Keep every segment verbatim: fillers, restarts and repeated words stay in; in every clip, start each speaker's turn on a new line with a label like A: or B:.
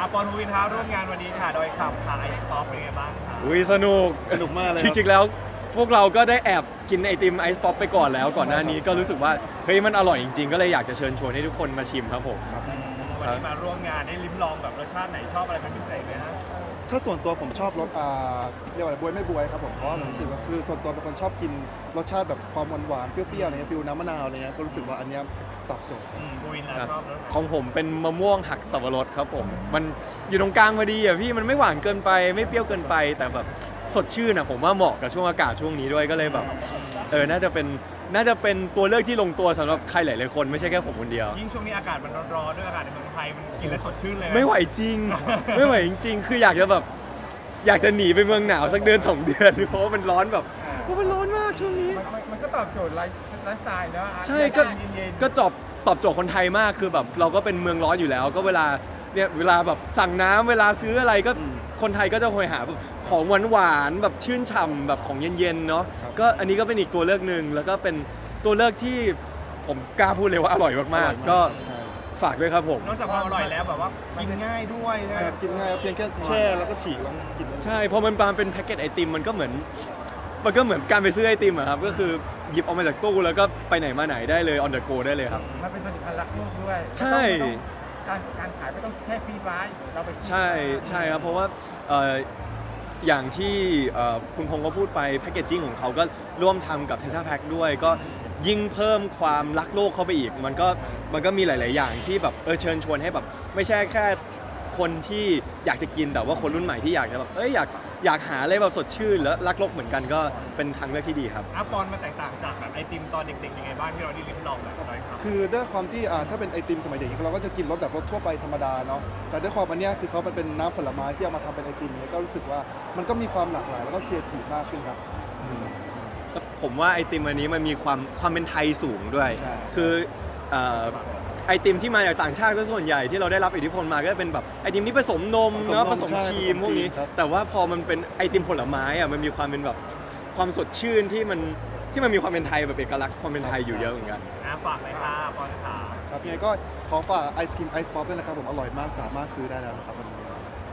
A: อาปอนฮูวินท้าร่วมงานวันนี้ค่ะโดยขับค่ะไอซ์ป๊อปเป็นไงบ้างคะ
B: อุ้ยสนุก
C: สนุกมากเลย
B: จริงๆแล้วพวกเราก็ได้แอบกินไอติมไอซ์ป๊อปไปก่อนแล้วก่อนหน้านี้ก็รู้สึกว่าเฮ้ยมันอร่อยจริงๆก็เลยอยากจะเชิญชวนให้ทุกคนมาชิมครับผม
A: วันนี้มาร่วมงานได้ลิ้มลองแบบรสชาติไหนชอบอะไรเป็นพิเศษไหมฮะ
C: ถ้าส่วนตัวผมชอบรสอ่าเรียกว่าอะไรบวยไม่บวยครับผมเพราะว่าผมรู้สึกว่าคือส่วนตัวเป็นคนชอบกินรสชาติแบบความหวานๆเปรี้ยวๆอะไรเงี้ยฟิลน้ำมะนาวอะไรเงี้ยก็รู้สึกว่าอันเนี้ยตอบโจทย์
A: อืมบูวินนะชอบรสไหน
B: ของผมเป็นมะม่วงหักสับปะรดครับผมมันอยู่ตรงกลางพอดีอ่ะพี่มันไม่หวานเกินไปไม่เปรี้ยวเกินไปแต่แบบสดชื่นอ่ะผมว่าเหมาะกับช่วงอากาศช่วงนี้ด้วยก็เลยแบบเออน่าจะเป็นน่าจะเป็นตัวเลือกที่ลงตัวสำหรับใครหลายๆคนไม่ใช่แค่ผมคนเดียว
A: ยิ่งช่วงนี้อากาศมันร้อนๆด้วยอากาศในเมืองไทยมันกินแล้วสดชื่นเลย
B: ไม่ไหวจริง ไม่ไหวจริงๆ คืออยากจะแบบอยากจะหนีไปเมืองหนาวสักเดือนสองเดือนเพราะว่ามันร้อนแบบเพราะมันร้อนมากช่วงนี้
D: มันมันมันก็ตอบโจทย์ไลฟ์ไลฟ์สไตล์เนอะ
B: ใช่ก็
D: เย็นๆ
B: ก็จอบตอบโจทย์คนไทยมากคือแบบเราก็เป็นเมืองร้อนอยู่แล้ว ก็เวลาเนี่ยเวลาแบบสั่งน้ำเวลาซื้ออะไรก็คนไทยก็จะคอยหาแบบของหวานๆแบบชื่นฉ่ำแบบของเย็นๆเนาะก็อันนี้ก็เป็นอีกตัวเลือกหนึ่งแล้วก็เป็นตัวเลือกที่ผมกล้าพูดเลยว่าอร่อยมากๆก็ฝากด้วยครับผม
A: นอกจากความอร่อยแล้วแบบว่ากินง่ายด้วยนะ
C: ใช่กินง่ายเพียงแค่แช่แล้วก็ฉีกแล้วกินได้
B: ใช่เพราะมันมาเป็นแพ็กเกจไอติมมันก็เหมือนมันก็เหมือนการไปซื้อไอติมอะครับก็คือหยิบออกมาจากตู้แล้วก็ไปไหนมาไหนได้เลย on the go ได้เลยครับ
D: มันเป็นผลิตภัณฑ์รักโลกด้วย
B: ใช่
D: ไม่ต้องการการขายไม่ต้องแค่ฟรีไว้เราไป
B: ใช่ใช่ครับเพราะว่าเอ่ออย่างที่เอ่อคุณพงศ์ก็พูดไปแพคเกจจิ้งของเขาก็ร่วมทำกับเททราแพ็คด้วยก็ยิ่งเพิ่มความรักโลกเข้าไปอีก มันก็มันก็มีหลาย ๆ อย่างที่แบบเออเชิญชวนให้แบบไม่ใช่แค่คนที่อยากจะกินแต่ว่าคนรุ่นใหม่ที่อยากจะแบบเอ้ยอยากอยากหาอะไรแบบสดชื่นแล้วรักโลกเหมือนกันก็เป็นทางเลือกที่ดีครับ
A: อาปอนมันแตกต่างจากแบบไอติมตอนเด็กๆยังไงบ้างที่เราได้ลิ้มลองแบบโดยขับ
C: คือด้วยความที่อ่าถ้าเป็นไอติมสมัยเด็กเราก็จะกินรสแบบรสทั่วไปธรรมดาเนาะแต่ด้วยความอันเนี้ยคือเขามันเป็นน้ำผลไม้ที่เอามาทำเป็นไอติมเนี่ยก็รู้สึกว่ามันก็มีความหลากหลายแล้วก็ครีเอทีฟมากขึ้นครับ
B: ผมว่าไอติมอันนี้มันมีความความเป็นไทยสูงด้วย
C: ใช่
B: คือเอ่อไอติมที่มาจากต่างชาติก็ส่วนใหญ่ที่เราได้รับอิทธิพลมาก็จะเป็นแบบไอติมที่ผสมนมเนาะผสมครีมพวกนี้ แต่ว่าพอมันเป็นไอติมผลไม้อะมันมีความเป็นแบบความสดชื่นที่มันที่มันมีความเป็นไทยแบบเอกลักษณ์ความเป็นไทยอยู่เยอะเหมือนกัน
A: นะฝากเลยค่ะปอนค่ะ
C: ครับยังไงก็ขอฝากไอศครีมไอซ์ป๊อปด้วยนะครับผมอร่อยมากสามารถซื้อได้แล้วนะครับวันนี้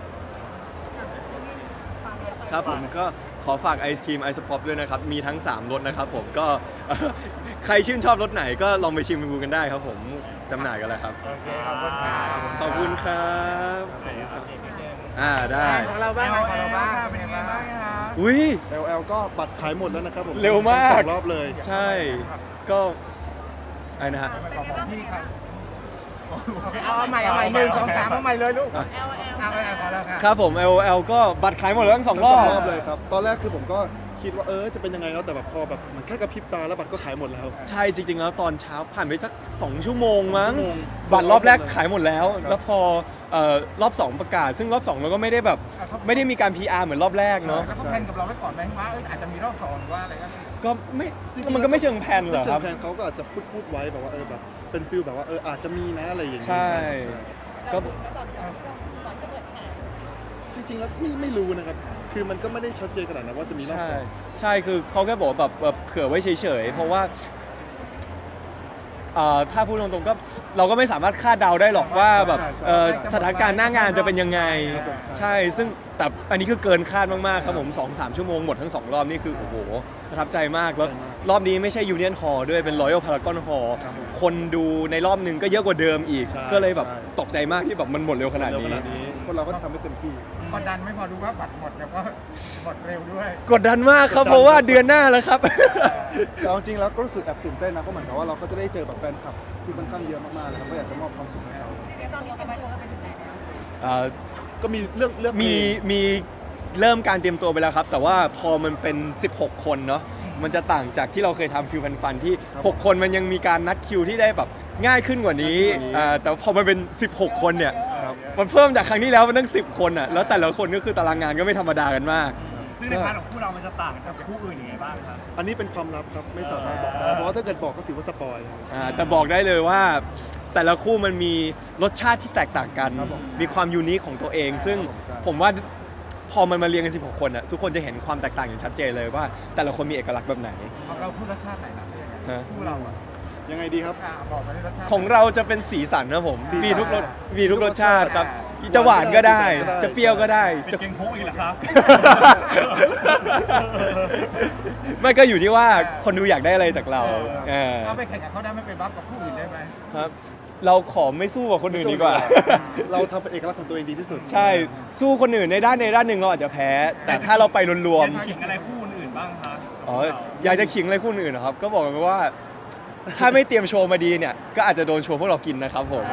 B: ครับผมก็ขอฝากไอศครีมไอซ์ป๊อปด้วยนะครับ มีทั้ง สามรสนะครับผมก็ ใครชื่นชอบรสไหนก็ลองไปชิมดูกันได้ครับผมจำหน่ายกันแล้วครับ
A: โอเคขอบคุณค่ะ
B: ขอบคุณครับ
A: ไหนอัปเดตนิดนึง
B: อ่าได้
D: ของเราบ้างของเราบ้าง
A: เป็นยังไงบ้างคะ
B: อุ้ย
C: แอล แอล ก็บัตรขายหมดแล้วนะครับผม
B: เร็วมาก
C: สองรอบเลย
B: ใช่ก็อะไรนะฮะ
D: ของของพี่ครับโอเคเอาเอาใหม่เอาใหม่หนึ่งสองสามเอาใหม่เลยลูกเอาเอาเอาพอแล้วค่ะ
B: ครับผม แอล แอล ก็บัตรขายหมดแล้วทั้งสองรอบ
C: ทั้งสองรอบเลยครับตอนแรกคือผมก็คิดว่าเออจะเป็นยังไงเนาะแต่แบบพอแบบมันแค่กระพริบตาแล้วบัตรก็ขายหมดแล้ว
B: ใช่จริง ๆ แล้วตอนเช้าผ่านไปสักสองชั่วโมงมั้ง
C: สองชั่วโมง
B: บัตรรอบแรกขายหมดแล้ว
C: ครับ
B: แล้วพอเอ่อรอบสองประกาศ ซึ่งรอบสองเราก็ไม่ได้แบบไม่ได้มีการ พี อาร์ เหมือนรอบแรกเนาะ
D: แล้วก็แพลนกับเราไว้ก่อนไหมว่าเอออาจจะมีรอบสองหรือว่าอะไรก็
B: ก็ไม่
C: จริงๆ
B: มันก็ไม่เชิงแพลนเหรอ
C: ไม่เชิ
B: ครั
C: ง
B: บ
C: แผนเขาก็อาจจะพูดพูดไว้แบบว่าเออแบบเป็นฟิลแบบว่าเอออาจจะมีนะอะไรอย่างเงี้ย
B: ใช่ ก็
C: จริงๆแล้วไม่ไม่รู้นะครับคือมันก็ไม่ได้ชัดเจนขนาดนั้นว่าจะมีรอบ
B: ใช่
C: สอง
B: ใช่คือเขาแค่บอกแบบแบบเผื่อไว้เฉยๆ เพราะว่าเอ่อถ้าพูดตรงๆก็เราก็ไม่สามารถคาดเดาได้หรอกว่าแบบเอ่อสถานการณ์หน้างานจะเป็นยังไง ใช่ซึ่งแต่อันนี้คือเกินคาดมากๆครับผม สองสาม ชั่วโมงหมดทั้งสองรอบนี่คือโอ้โหประทับใจมากแล้วรอบนี้ไม่ใช่ Union Hall ด้วยเป็น Royal Paragon Hall คนดูในรอบหนึ่งก็เยอะกว่าเดิมอีก ก็เลยแบบตกใจมากที่แบบมันหมดเร็วขนาด
C: เร็วข
B: นี้
C: นาดนี้พวกเราก็ทำให้เต็มที่
D: กดดันไม่พอดูว่าบัตรหมดแล้วก็หมดเร็วด้วย
B: กดดันมากครับเพราะว่าเดือนหน้าแล้วครับ
C: แต่เอาจริงแล้วก็รู้สึกแอบตื่นเต้นนะเพราะเหมือนกับว่าเราก็จะได้เจอแบบแฟนคลับที่ค่อนข้างเยอะมากๆนะครับก็อยากจะมอบความสุขให้เขา
B: เอ่อ
C: ก็มีเรื่องเรื่อง
B: มีมีเริ่มการเตรียมตัวไปแล้วครับ แต่ว่าพอมันเป็น สิบหก คนเนาะมันจะต่างจากที่เราเคยทำฟิวฟันๆที่ หก คนมันยังมีการนัดคิวที่ได้แบบง่ายขึ้นกว่านี้อ่าแต่พอมันเป็น สิบหก คนเนี่ย
C: ครับ
B: มันเพิ่มจากครั้งที่แล้วมันตั้งสิบคนอ่ะแล้วแต่ละคนก็คือตารางงานก็ไม่ธรรมดากันมาก
A: ซึ่งในพาร์ทของคู่เรามันจะต่างจากคู่อื่นยังไงบ้างครับ
C: อันนี้เป็นความลับครับไม่สามารถบอกได้เพราะว่าถ้าเกิดบอกก็ถือว่าสปอย
B: อ่าแต่บอกได้เลยว่าแต่ละคู่มันมีรสชาติที่แตกต่างกัน
C: ครับผม
B: มีความยูนิคของตัวเอง ซึ่ง
C: ใช่
B: ผมว่าพอมันมาเรียงกัน สิบหก คนอ่ะทุกคนจะเห็นความแตกต่างอย่างชัดเจนเลยว่า แต่ละคนมีเอกลักษณ์แบบไหน
D: ของเราพูดรสชาติไหนนะ
B: ฮะ
D: คู่เราอ่ะ
C: ยังไงดีครับ
D: อ่ะบอกมาที่รสชาติ
B: ของเราจะเป็นสีสันนะผม
C: สีสัน
B: มีทุกรสมีทุกรสชาติครับจะหวานก็ได้
C: ก็ได้
B: จะเปรี้ยวก็ได้
A: เป็น
B: จะ
A: เกงโพกอีกเหรอครับ
B: ไม่ก็อยู่ที่ว่าคนดูอยากได้อะไรจากเราเออ
D: เอาไปแข่งกับเขาได้ไม่เป็นบัฟกับผู้อื่นได้ไหม
B: ครับ เราขอไม่สู้กับคนอื่นดีกว่า
C: เราทำเป็นเอกลักษณ์ของตัวเองดีที่สุด
B: ใช่ สู้คนอื่นในด้านในด้านหนึ่งเราอาจจะแพ้ แต่ถ้าเราไปรว
A: อ
B: ม
A: ยากขิงอะไรคู่อื่นบ้างคะ
B: ๆอ๋ออยากจะขิงอะไรคนอื่นนะครับ ก็บอกกันว่า ถ้าไม่เตรียมโชว์มาดีเนี่ย ก็อาจจะโดนโชว์พวกเรากินนะครับผม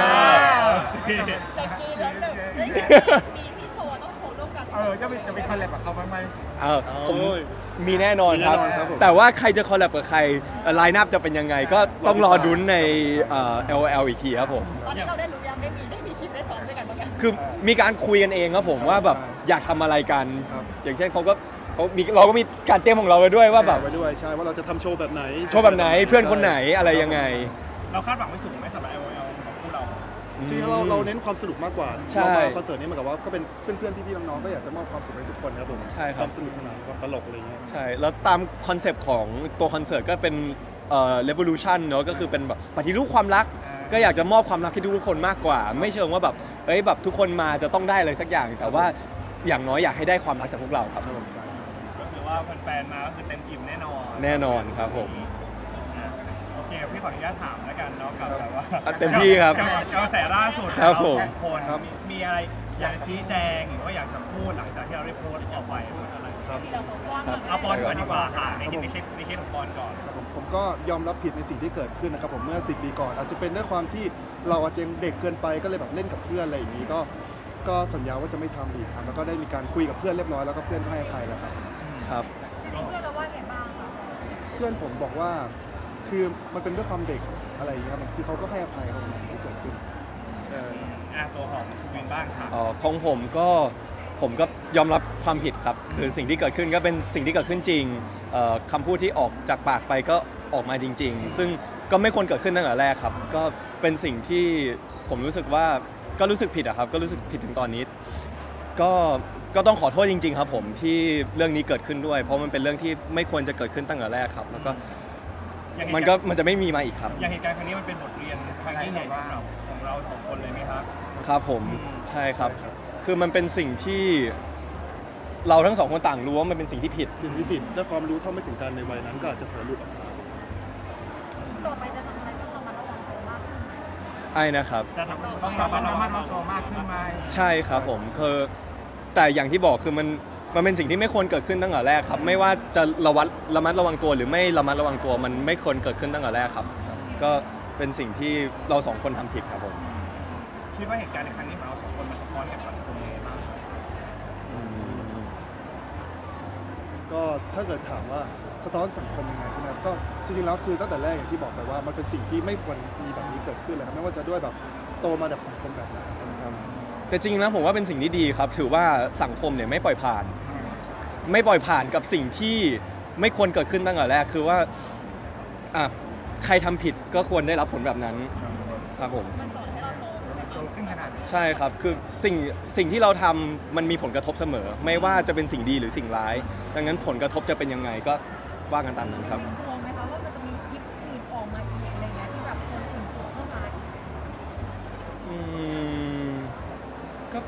E: จะกินแล้วหนึ่งเฮ้ยมีที่โชว์ต้องโชว์ร่วมกัน
D: เออจะไปจะไปคอลแลบกับเขาบ้างไหม
B: เออผม
C: โอ้ย
B: มีแน่นอนครับ
C: มีแน่นอนครับผม
B: แต่ว่าใครจะคอลแลบกับใครไลน์นับจะเป็นยังไง ก็ต้องรอดุนในเอ่อ แอล โอ แอล อีกทีครับผม
E: ตอนนี้เราได้รู้ยังได้มีได้มีคลิปได้ซ้อมด้วยกันบ้างยัง
B: คือมีการคุยกันเองครับผมว่าแบบอยากทำอะไรกัน
C: ครับ
B: อย่างเช่นเขาก็เขามีเราก็มีการเตรียมของเราไว้ด้วยว่าแบบ
C: ไว้ด้วยใช่ว่าเราจะทำโชว์แบบไหน
B: โชว์แบบไหนเพื่อนคนไหนอะไรยังไง
A: เราคาดหวังไม่สูงไหมสำหรับ แอล โอ แอล ของคู่เรา
C: จริงๆเราเราเน้นความสนุกมากกว่า
B: ใช่
C: เรามาคอนเสิร์ตนี้เหมือนกับว่าก็เป็นเพื่อนๆพี่ๆน้องๆก็อยากจะมอบความสุขให้ทุกคนครับผม
B: ใช่ครับ
C: ความสนุกสนานความตลกอะไรเงี้ย
B: ใช่ แล้วตามคอนเซปต์ของตัวคอนเสิร์ตก็เป็นเอ่อ revolution เนอะก็คือเป็นแบบปฏิรูปความรัก ก็อยากจะมอบความรักให้ทุกๆคนมากกว่า ไม่เชิงว่าแบบเอ้ยแบบทุกคนมาจะต้องได้อะไรสักอย่าง แต่ว่าอย่างน้อยอยากให้ได้ความรักจากพวกเราครับ
C: ครับผมใช่
A: ก็คือว่าแฟนๆมาก็คือเต็มอิ่มแน่นอน
B: แน่นอนครับผม
A: อ่ะโอเคพี่ขออนุญาตถามแล้วกันเนาะกับแบบว่า
B: อ่ะเต็มที่ครับ
A: กับกับกระแสล่าสุด
B: ครับ
A: เรา
B: ผม
A: สองคนมีมีอะไรอยากชี้แจงหรือว่าอยากจะพูดหลังจากที่เราได้โพสต์ออกไปหรืออะไร
C: ครับ
E: ที่เราโพสต์ว่า
A: เอาปอนก่อนดีกว่าค่ะในในเคสในเคสของปอนก่อน
C: ครับผมผมก็ยอมรับผิดในสิ่งที่เกิดขึ้นนะครับผมเมื่อสิบปีก่อน อาจจะเป็นด้วยความที่เราอาจจะยังเด็กเกินไปก็เลยแบบเล่นกับเพื่อนอะไรอย่างนี้ก็ก็สัญญาว่าจะไม่ทำอีกครับแล้วก็ได้มีการคุยกับเพื่อนเรียบร้อยแล้วก็เพื่อนก็ให้อภัยแล้วครับ
B: ครับ
E: จริงๆเพื่อนเราว่าไงบ้างคะ
C: เพื่อนผมบอกว่าคือมันเป็นด้วยความเด็กอะไรอย่างเงี้ยครับคือเขาก็ให้อภัยครับผมสิ่งที่เกิดขึ้นใช่
A: อ่ะตัวของคุณวินบ้างค่ะ
B: อ๋อของผมก็ผมก็ยอมรับความผิดครับ คือสิ่งที่เกิดขึ้นก็เป็นสิ่งที่เกิดขึ้นจริงเอ่อคำพูดที่ออกจากปากไปก็ออกมาจริง ๆ ซึ่งก็ไม่ควรเกิดขึ้นตั้งแต่แรกครับ ก็เป็นสิ่งที่ผมรู้สึกว่าก็รู้สึกผิดอะครับ ก็รู้สึกผิดถึงตอนนี้ ก็ก็ต้องขอโทษจริง ๆ ครับผมที่เรื่องนี้เกิดขึ้นด้วย เพราะมันเป็นเรื่องที่ไม่ควรจะเกิดขึ้นตั้งแต่แรกครับ แล้วก็
A: อย่าง
B: มันก็มันจะไม่มีมาอีกครับ
A: อย่างเหตุการณ์ครั้งนี้มันเป็นบทเรียนครั้งยิ่งใหญ่สำหรับของเราสองคนเลยไหมครับ
B: ครับผมใช่ครับ คือมันเป็นสิ่งที่เราทั้งสองคนต่างรู้ว่ามันเป็นสิ่งที่ผิด
C: สิ่งที่ผิดและความรู้เท่าไม่ถึงการในวัยนั้นก็อาจจะเผลอหลุดออกมา
E: ต่อไปจะทำอะไรต้องระมัดระวังตัวมากขึ้นไหม
B: ไอ้นะครับ
A: จะทำ
D: ต้องระมัดระมัดระวังตัวมากขึ้นไหม
B: ใช่ครับผมคือแต่อย่างที่บอกคือมันมันเป็นสิ่งที่ไม่ควรเกิดขึ้นตั้งแต่แรกครับ ไม่ว่าจะระวัดระมัดระวังตัวหรือไม่ระมัดระวังตัวมันไม่ควรเกิดขึ้นตั้งแต่แรกครับ ก็เป็นสิ่งที่เราสองคนทำผิดครับผม
A: คิดว่าเหตุการณ์ในครั้งนี้ของเราสองคนมาสะท้อนกับสังคมยังไงบ้าง
B: อืม
C: ก็ถ้าเกิดถามว่าสะท้อนสังคมยังไงใช่ไหมครับก็จริงๆแล้วคือตั้งแต่แรกอย่างที่บอกไปว่ามันเป็นสิ่งที่ไม่ควรมีแบบนี้เกิดขึ้นเลยครับไม่ว่าจะด้วยแบบโตมาแบบสังคมแบบไหนครับ
B: แต่จริงๆนะผมว่าเป็นสิ่งที่ดีครับ ถือว่าสังคมเนี่ยไม่ปล่อยผ่าน ไม่ปล่อยผ่านกับสิ่งที่ไม่ควรเกิดขึ้นตั้งแต่แรกคือว่าอ่ะใครทำผิดก็ควรได้รับผลแบบนั้นครับผม
E: มันสอนให้เราโตใช่ไหม
D: โต
E: คะ
D: ขึ้นขนาดนี้
B: ใช่ครับ คือสิ่งสิ่งที่เราทำมันมีผลกระทบเสมอ ไม่ว่าจะเป็นสิ่งดีหรือสิ่งร้าย ดังนั้นผลกระทบจะเป็นยังไงก็ว่ากันตามนั้นครับ
E: กลัวไหมคะว่ามันจะมีคลิปอื่นออกมาอีกอะไรเงี้ยที่แบบคนอื่นโผล่เข้ามาอีก
B: อืมก็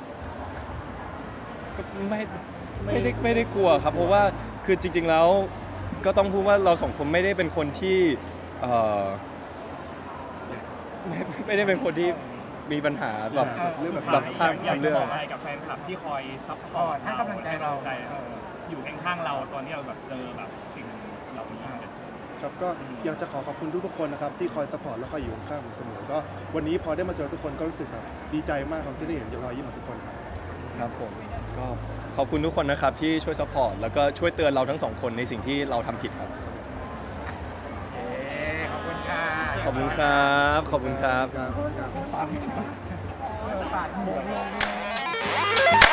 B: ก็ไม่ไม่ได้ไม่ได้กลัวครับ เพราะว่าคือจริง ๆแล้วก็ต้องพูดว่าเราสองคนไม่ได้เป็นคนที่เอ่อไม่ไม่ได้เป็นคนที่มีปัญหาแบบ
C: เรื่องแบบ
B: แบบ
A: อยา
B: ทาก ง
A: อยาก
B: ทาง
A: จะ
B: เลือบ ก
A: อกอะไรกับแฟนคลับที่คอยซัพพอร์ต
D: ให้กำลังใจเรา
A: ใช่เอออยู่ข้างๆเราตอนที่เราแบบเจอแบบสิ่งเหล่านี้
C: ครับก็อยากจะขอขอบคุณทุกๆคนนะครับที่คอยสปอร์ตและคอยอยู่ข้างๆผมเสมอก็วันนี้พอได้มาเจอทุกคนก็รู้สึกแบบดีใจมากครับที่ได้เห็นรอยยิ้มของทุกคนครับ
B: ครับผมก็ขอบคุณทุกคนนะครับที่ช่วยซัพพอร์ตแล้วก็ช่วยเตือนเราทั้งสองคนในสิ่งที่เราทำผิดครับ
D: เอ๊ะขอบคุณค่ะ
B: ขอบคุณครับ ขอบคุณครับ
C: ครับ
D: ปากหมู